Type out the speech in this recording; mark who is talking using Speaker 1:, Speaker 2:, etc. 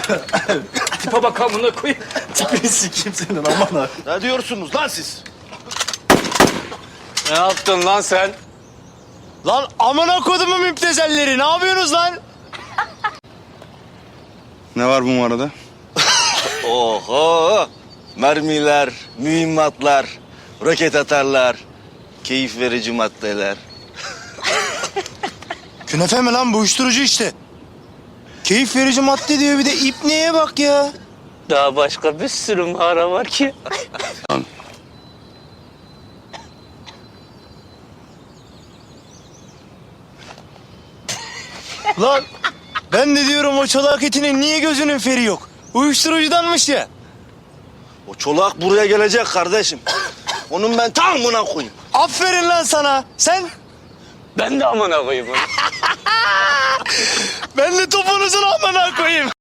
Speaker 1: Tipe bak amına koyayım.
Speaker 2: Tipini sikeyim senin aman ha.
Speaker 3: Ne diyorsunuz lan siz?
Speaker 1: Ne yaptın lan sen?
Speaker 3: Lan amına kodumun müptezelleri, ne yapıyorsunuz lan?
Speaker 2: Ne var bu arada?
Speaker 3: Oho! Mermiler, mühimmatlar, roket atarlar, keyif verici maddeler.
Speaker 4: Künefe mi lan bu, uyuşturucu işte. Keyif verici madde diyor, bir de ipneye bak ya.
Speaker 1: Daha başka bir sürü mağara var ki.
Speaker 4: Lan ben de diyorum o çolak etinin niye gözünün feri yok? Uyuşturucudanmış ya.
Speaker 3: O çolak buraya gelecek kardeşim. Onun ben tam buna koyayım.
Speaker 4: Aferin lan sana. Sen?
Speaker 1: Ben de amına koyayım onu.
Speaker 4: Ben de topunuzun amına koyayım.